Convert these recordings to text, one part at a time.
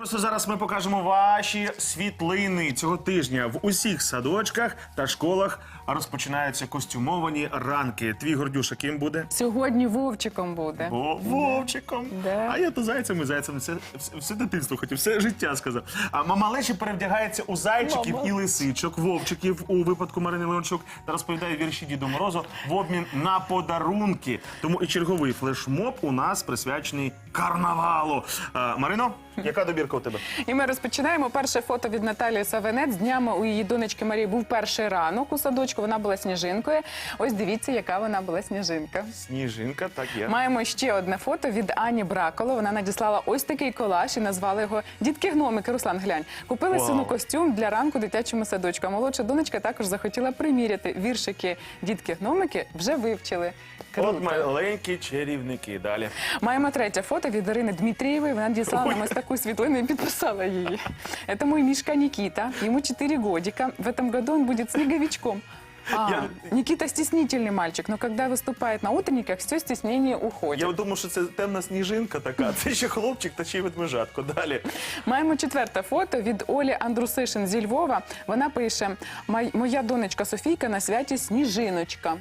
Просто зараз ми покажемо ваші світлини цього тижня. В усіх садочках та школах розпочинаються костюмовані ранки. Твій Гордюша ким буде? Сьогодні Вовчиком буде. Вовчиком. Да. А я то зайцем і зайцем. Все дитинство хотів, все життя сказав. А малечі перевдягається у зайчиків і лисичок, вовчиків у випадку Марини Леончук та розповідає вірші Діду Морозу в обмін на подарунки. Тому і черговий флешмоб у нас присвячений карнавалу. Марино, яка добірка у тебе? І ми розпочинаємо. Перше фото від Наталії Савинець. Днями у її донечки Марії був перший ранок у садочку. Вона була сніжинкою. Ось дивіться, яка вона була сніжинка. Сніжинка, так є. Маємо ще одне фото від Ані Браколо. Вона надіслала ось такий колаж і назвала його «Дітки-гномики». Руслан, глянь. Купили сину костюм для ранку дитячому садочку. А молодша донечка також захотіла приміряти. Віршики «Дітки-гномики» вже вивчили. Круто. От маленькі чарівники. Далі. Маємо третє фото від Ірини Дмитрієвої. Вона надіслала нам ось таку світлину і підписала її. Это мой Мишка Никита. Ему 4 годика. В этом году он будет снеговичком. Никита стеснительный мальчик, но когда выступает на утренниках, все стеснение уходит. Я думав, що це темна сніжинка така. Це ще хлопчик та ще й ведмежатко. Далі. Маємо четверте фото від Олі Андрусишин зі Львова. Вона пише: «Моя донечка Софійка на святі Сніжиночка».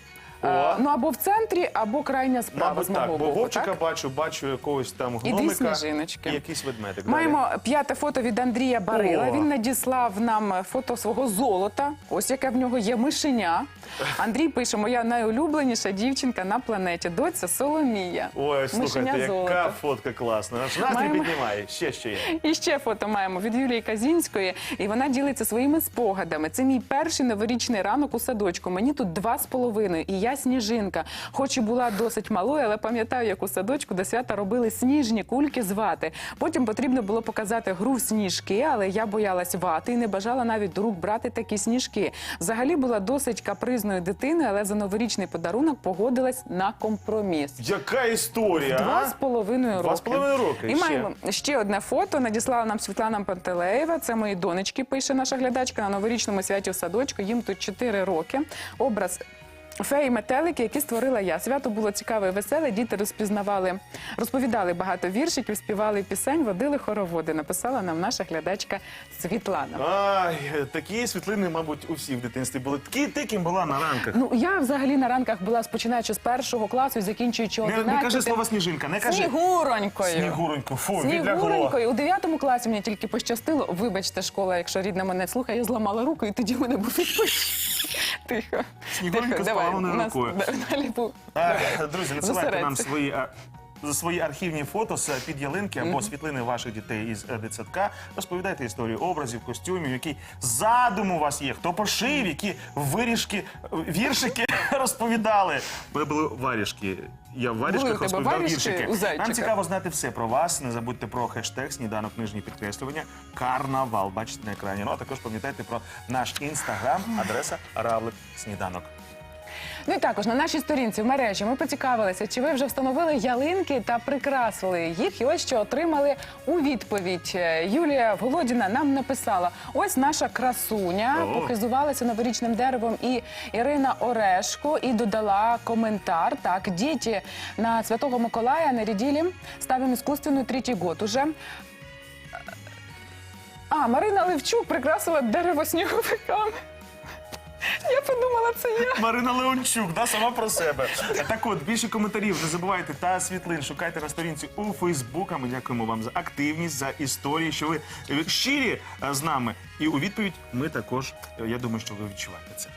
Ну, або в центрі, або крайня справа. Мабуть, з мого так, бо боку, Вовчика так? бачу якогось там І гномика. дві сніжиночки. І якийсь ведмедик. Маємо п'яте фото від Андрія Барила. О! Він надіслав нам фото свого золота. Ось яке в нього є мишеня. Андрій пише: «Моя найулюбленіша дівчинка на планеті. Доця Соломія». Ой, слухайте, Мишеня яка золота. фотка класна. Аж настрій Маємо- піднімає. Ще є. І ще фото маємо від Юлії Казінської, і вона ділиться своїми спогадами. Це мій перший новорічний ранок у садочку. Мені тут 2,5, і я сніжинка. Хоч і була досить малою, але пам'ятаю, як у садочку до свята робили сніжні кульки з вати. Потім потрібно було показати гру в сніжки, але я боялась вати і не бажала навіть до рук брати такі сніжки. Взагалі була досить капризною дитиною, але за новорічний подарунок погодилась на компроміс. Яка історія, а? 2,5 роки. 2,5 роки. І маємо ще одне фото. Надіслала нам Світлана Пантелеєва. Це мої донечки, пише наша глядачка, на новорічному святі у садочку. Їм тут 4 роки. Образ феї метелики, які створила я. Свято було цікаве і веселе. Діти розповідали багато віршиків, співали пісень, водили хороводи. Написала нам наша глядачка Світлана. Ай, такі світлини, мабуть, у всіх в дитинстві були. Ти ким була на ранках? Ну, я взагалі на ранках була, починаючи з 1 класу і закінчуючи 11. Не кажи слово сніжинка, не кажи. Снігуронькою. Снігуроньку, фу, відлягло. Снігуронькою. У 9 класі мені тільки пощастило. Вибачте, школа, якщо рідна мене слухає, я зламала руку, і тоді в мене був відпочинок. Тихо. Снігуронька з поламаною рукою. Далі був. Друзі, надсилайте нам Зосередься. свої архівні фото з під ялинки або світлини ваших дітей із дитсадка. Розповідайте історію образів, костюмів, який задум у вас є, хто пошив, які віршики розповідали. У мене були варішки. Я в варішках розповідав віршики. Нам цікаво знати все про вас. Не забудьте про хештег «Сніданок нижнє підкреслювання» «Карнавал». Бачите на екрані. Ну, а також пам'ятайте про наш інстаграм, адреса «Равлик Сніданок». Ну і також на нашій сторінці в мережі ми поцікавилися, чи ви вже встановили ялинки та прикрасили їх. І ось що отримали у відповідь. Юлія Володіна нам написала: ось наша красуня похизувалася новорічним деревом, і Ірина Орешко, і додала коментар. Так, діти на Святого Миколая нарядили, ставим искусственную 3-й год уже. Марина Левчук прикрасила дерево сніговиками. Я подумала, це я. Марина Леончук, да, сама про себе. Так от, більше коментарів не забувайте та світлин шукайте на сторінці у Фейсбук. Ми дякуємо вам за активність, за історії, що ви щирі з нами. І у відповідь ми також, я думаю, що ви відчуваєте це.